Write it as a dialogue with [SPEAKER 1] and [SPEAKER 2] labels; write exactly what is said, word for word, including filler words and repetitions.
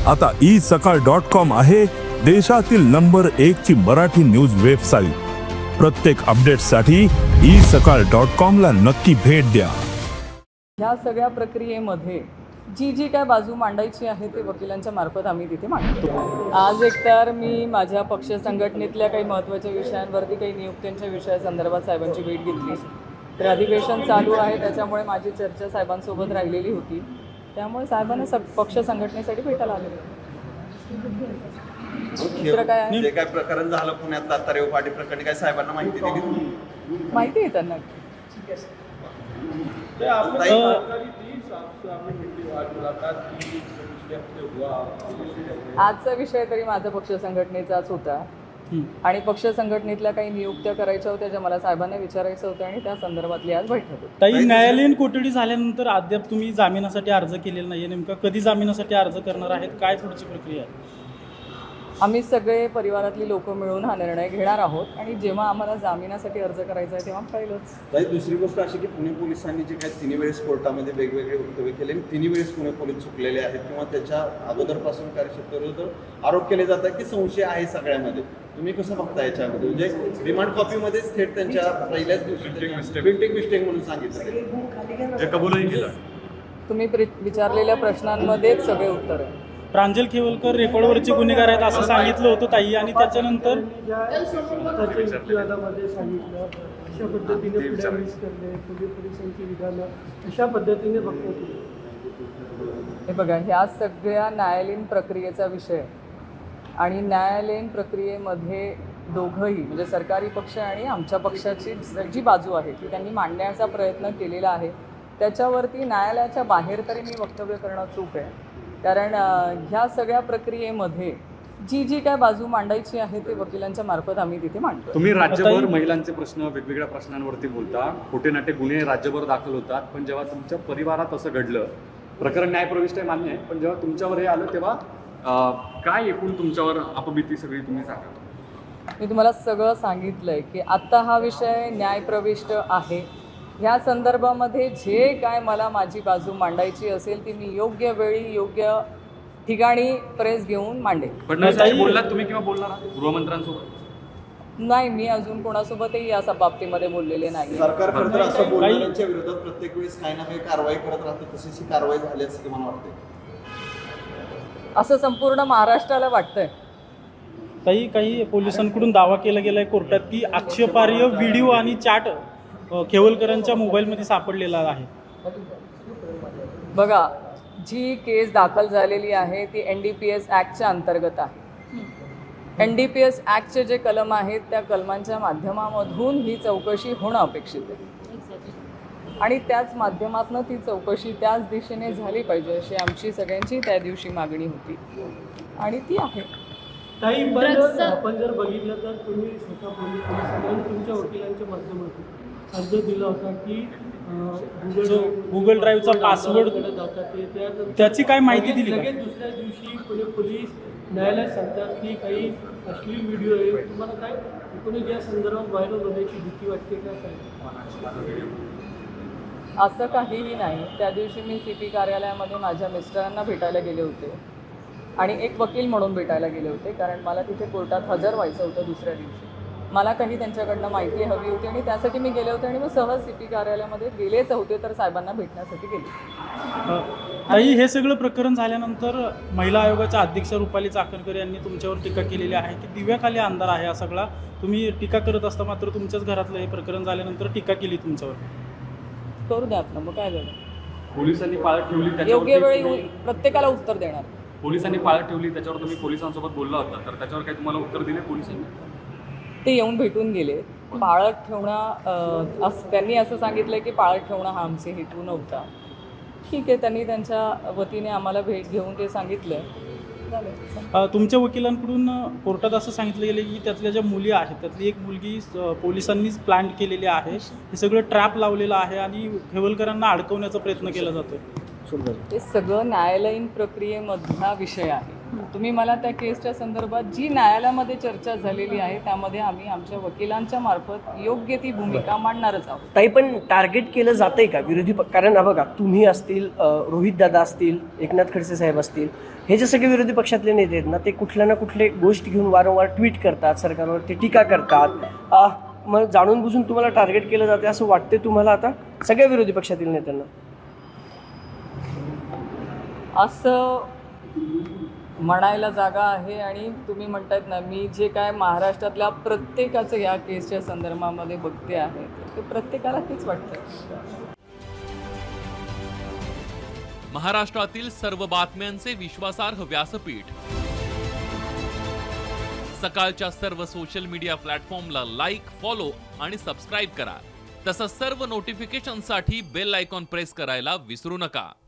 [SPEAKER 1] आता ई सकाळ dot com आहे देशातील नंबर एक ची मराठी न्यूज वेबसाईट। प्रत्येक अपडेटसाठी ई सकाळ डॉट कॉम ला नक्की भेट द्या।
[SPEAKER 2] ह्या सगळ्या प्रक्रियेमध्ये जी जी काय बाजू मांडायची आहे ते वकिलांच्या मार्फत आम्ही तिथे मांडतो। आज एकतर मी माझ्या पक्ष संघटनेतल्या काही महत्त्वाच्या विषयांवरती काही नियुक्त्यांच्या विषयासंदर्भात साहेबांची भेट घेतली। तर अधिवेशन चालू आहे त्याच्यामुळे माझी चर्चा साहेबांसोबत राहिलेली होती, त्यामुळे साहेबांना स पक्ष संघटनेसाठी भेटायला आले। दुसरं काय आहे?
[SPEAKER 3] जे काय प्रकरण झालं पुण्यात तातारेव पाटी प्रकरणी काय साहेबांना माहिती दिली तुम्ही?
[SPEAKER 2] माहिती आहे त्यांना। आजचा विषय तरी माझा पक्ष संघटनेचाच होता आणि पक्ष संघटनेतल्या काही नियुक्त्या करायच्या होत्या ज्या मला साहेबांना विचारायचं होतं आणि त्या संदर्भातली आज बैठक होती।
[SPEAKER 4] ताई, न्यायालयीन कोठडी झाल्यानंतर अद्याप तुम्ही जामिनासाठी अर्ज केलेला नाहीये, नेमका कधी जामिनासाठी अर्ज करणार आहेत, काय पुढची प्रक्रिया आहे?
[SPEAKER 2] आम्ही सगळे परिवारातली लोक मिळून हा निर्णय घेणार आहोत आणि जेव्हा आम्हाला जामिनासाठी अर्ज करायचा आहे तेव्हा कळेलच।
[SPEAKER 3] ताई, दुसरी गोष्ट अशी की पुणे पोलिसांनी जे काही तिन्ही वेळेस कोर्टामध्ये वेगवेगळे वक्तव्य केले आणि तिन्ही वेळेस पुणे पोलीस चुकलेले आहेत किंवा त्याच्या अगोदरपासून कार्यक्षेत्राविरुद्ध आरोप केले जातात की संशय आहे सगळ्यामध्ये। तुम्ही कसं बघता याच्यामध्ये? म्हणजे रिमांड कॉपीमध्येच थेट त्यांच्या पहिल्याच दिवशी प्रिंटिंग मिस्टेक म्हणून सांगितलं, जे कबूलही केलं।
[SPEAKER 2] तुम्ही विचारलेल्या प्रश्नांमध्येच सगळे उत्तर आहे।
[SPEAKER 4] प्रांजल खेवलकर रेकॉर्डवरचे गुन्हेगार आहेत असं सांगितलं होतं ताई, आणि त्याच्यानंतर
[SPEAKER 5] अशा पद्धतीने पोलिसांची विधानं अशा पद्धतीने बघतो।
[SPEAKER 2] हे बघा, ह्या सगळ्या न्यायालयीन प्रक्रियेचा विषय आणि न्यायालयीन प्रक्रियेमध्ये दोघंही म्हणजे सरकारी पक्ष आणि आमच्या पक्षाची जी बाजू आहे ती त्यांनी मांडण्याचा प्रयत्न केलेला आहे। त्याच्यावरती न्यायालयाच्या बाहेर तरी मी वक्तव्य करणं चूक आहे, कारण ह्या सगळ्या प्रक्रियेमध्ये जी जी काय बाजू मांडायची आहे ते वकिलांच्या मार्फत आम्ही तिथे मांडतो।
[SPEAKER 6] तुम्ही राज्यभर महिलांचे प्रश्न वेगवेगळ्या प्रश्नांवरती बोलता, खोटे नाटे गुन्हे राज्यभर दाखल होतात, पण जेव्हा तुमच्या परिवारात असं घडलं, प्रकरण न्यायप्रविष्ट आहे मान्य आहे, पण जेव्हा तुमच्यावर हे आलं तेव्हा काय एकूण तुमच्यावर अपभीती सगळी तुम्ही सांगा?
[SPEAKER 2] मी तुम्हाला सगळं सांगितलंय की आत्ता हा विषय न्यायप्रविष्ट आहे। ह्या संदर्भामध्ये जे काय मला माझी बाजू मांडायची असेल ती मी योग्य वेळी योग्य ठिकाणी प्रेस घेऊन मांडेन।
[SPEAKER 6] पण बोललात तुम्ही किंवा बोलणार गृहमंत्र्यांसोबत?
[SPEAKER 2] नाही, मी अजून कोणासोबतही या बाबतीमध्ये बोललेले नाही।
[SPEAKER 3] सरकार खरं तर असं बोलणाऱ्यांच्या विरोधात प्रत्येक वेळेस काही ना काही कारवाई करत राहतं, तशीच ही कारवाई झाली असं मला वाटते।
[SPEAKER 2] असं संपूर्ण महाराष्ट्राला वाटतंय।
[SPEAKER 4] ताई, काही पोलिसांकडून दावा केला गेलाय कोर्टात की आक्षेपार्ह व्हिडिओ आणि चॅट खेवलकरांच्या मोबाईलमध्ये सापडलेला आहे।
[SPEAKER 2] बघा, जी केस दाखल झालेली आहे ती एन डी पी एस ॲक्टच्या अंतर्गत आहे। एन डी पी एस ॲक्टचे जे कलम आहेत त्या कलमांच्या माध्यमामधून ही चौकशी होणं अपेक्षित आहे आणि त्याच माध्यमातून ती चौकशी त्याच दिशेने झाली पाहिजे अशी आमची सगळ्यांची त्या दिवशी मागणी होती आणि ती आहे।
[SPEAKER 5] ताई, पण आपण जर बघितलं तर तुम्ही स्वतः पोलीस पोलिसांनी तुमच्या वकिलांच्या माध्यमातून अर्ज दिला होता की
[SPEAKER 4] गुगल ड्राईव्हचा पासवर्ड त्याची काय माहिती दिली?
[SPEAKER 5] लगेच दुसऱ्या दिवशी पुणे पोलीस न्यायालयात सांगतात की काही अश्लील व्हिडिओ आहे। तुम्हाला काय एकूणच या संदर्भात व्हायरल होण्याची भीती वाटते का? काय
[SPEAKER 2] असं काहीही नाही। त्या दिवशी मी सी पी कार्यालयामध्ये माझ्या मिस्टरांना भेटायला गेले होते आणि एक वकील म्हणून भेटायला गेले होते, कारण मला तिथे कोर्टात हजर व्हायचं होतं दुसऱ्या दिवशी। मला काही त्यांच्याकडनं माहिती हवी होती आणि त्यासाठी मी गेले होते आणि मग सहज सी पी कार्यालयामध्ये गेलेच होते तर साहेबांना भेटण्यासाठी गेले।
[SPEAKER 4] ताई, हे सगळं प्रकरण झाल्यानंतर महिला आयोगाच्या अध्यक्ष रुपाली चाकणकर यांनी तुमच्यावर टीका केलेली आहे की दिव्याखाली अंधार आहे हा सगळा। तुम्ही टीका करत असता मात्र तुमच्याच घरातलं हे प्रकरण झाल्यानंतर टीका केली तुमच्यावर।
[SPEAKER 2] करू द्या आपलं, मग काय झालं?
[SPEAKER 6] पोलिसांनी पाळत ठेवली,
[SPEAKER 2] योग्य वेळी प्रत्येकाला उत्तर देणार।
[SPEAKER 6] पोलिसांनी पाळत ठेवली त्याच्यावर तुम्ही पोलिसांसोबत बोलला होता, तर त्याच्यावर काही तुम्हाला उत्तर दिले पोलिसांनी?
[SPEAKER 2] ते येऊन भेटून गेले। पाळत ठेवणं असं त्यांनी असं सांगितलं की पाळत ठेवणं हा आमचे हेतू नव्हता। ठीक आहे, त्यांनी त्यांच्या वतीने आम्हाला भेट घेऊन ते सांगितलं।
[SPEAKER 4] तुमच्या वकिलांकडून कोर्टात असं सांगितलं गेलं की त्यातल्या ज्या मुली आहेत त्यातली एक मुलगी पोलिसांनीच प्लॅन केलेली आहे, हे सगळं ट्रॅप लावलेलं आहे आणि खेवलकरांना अडकवण्याचा प्रयत्न केला जातो।
[SPEAKER 2] हे सगळं न्यायालयीन प्रक्रियेमधला विषय आहे। तुम्ही मला त्या केसच्या संदर्भात जी न्यायालयामध्ये चर्चा झालेली आहे त्यामध्ये आम्ही आमच्या वकिलांच्या मार्फत योग्य ती भूमिका मांडणारच आहोत.
[SPEAKER 7] ताई, पण टार्गेट केलं जातंय का विरोधी पक्ष? कारण हा बघा, तुम्ही असतील, रोहित दादा असतील, एकनाथ खडसे साहेब असतील, हे जे सगळे विरोधी पक्षातले नेते आहेत ना, ते कुठल्या ना कुठले गोष्ट घेऊन वारंवार ट्विट करतात, सरकारवरती टीका करतात. आ, मग जाणून बुजून तुम्हाला टार्गेट केलं जाते असं वाटते तुम्हाला आता सगळ्या विरोधी पक्षातील नेत्यांना?
[SPEAKER 2] असं म्हणायला जागा आहे आणि तुम्ही म्हणतायत ना, मी जे काय महाराष्ट्रातल्या प्रत्येकाचं या केसच्या संदर्भामध्ये बघते आहे ते प्रत्येकाला तेच वाटतं.
[SPEAKER 8] महाराष्ट्रातील सर्व बातम्यांचे विश्वासार्ह व्यासपीठ, सकाळच्या सर्व सोशल मीडिया प्लॅटफॉर्मला लाईक, फॉलो आणि सबस्क्राईब करा. तसंच सर्व नोटिफिकेशनसाठी बेल आयकॉन प्रेस करायला विसरू नका.